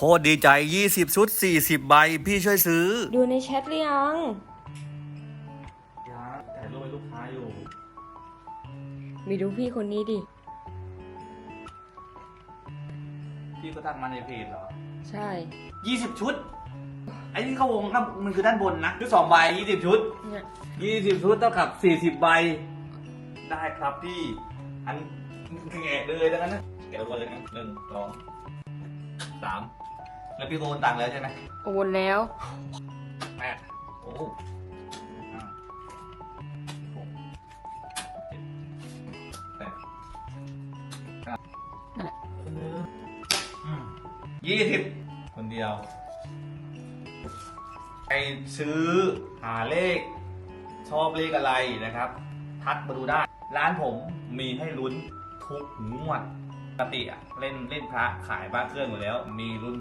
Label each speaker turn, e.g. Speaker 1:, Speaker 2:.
Speaker 1: ตรดีใจ20ชุด40ใบพี่ช่วยซื้อ
Speaker 2: ดูในแชทหรือยัง
Speaker 1: ถ่ายรูปให้ลูกค้าอยู่
Speaker 2: มีดูพี่คนนี้ดิ
Speaker 1: พี่ก็ทักมาในเพจเหรอ
Speaker 2: ใช่
Speaker 1: 20ชุดไอ้นี่เขาวงครับมันคือด้านบนนะคือ2ใบ20ชุด20ชุดเท่ากับ40ใบได้ครับพี่อันแงะเลยดังนั้นนะแกะตัวเลยนะ1 2 3แล้วพี่โอนตังค์แล้วใช่ไหม
Speaker 2: โอนแล้ว
Speaker 1: 8โอ้20คนเดียวไปซื้อหาเลขชอบเลขอะไรนะครับทักมาดูได้ร้านผมมีให้ลุ้นทุกงวดปกติเล่นพระขายบ้านเครื่องอยู่แล้วมีลุ้น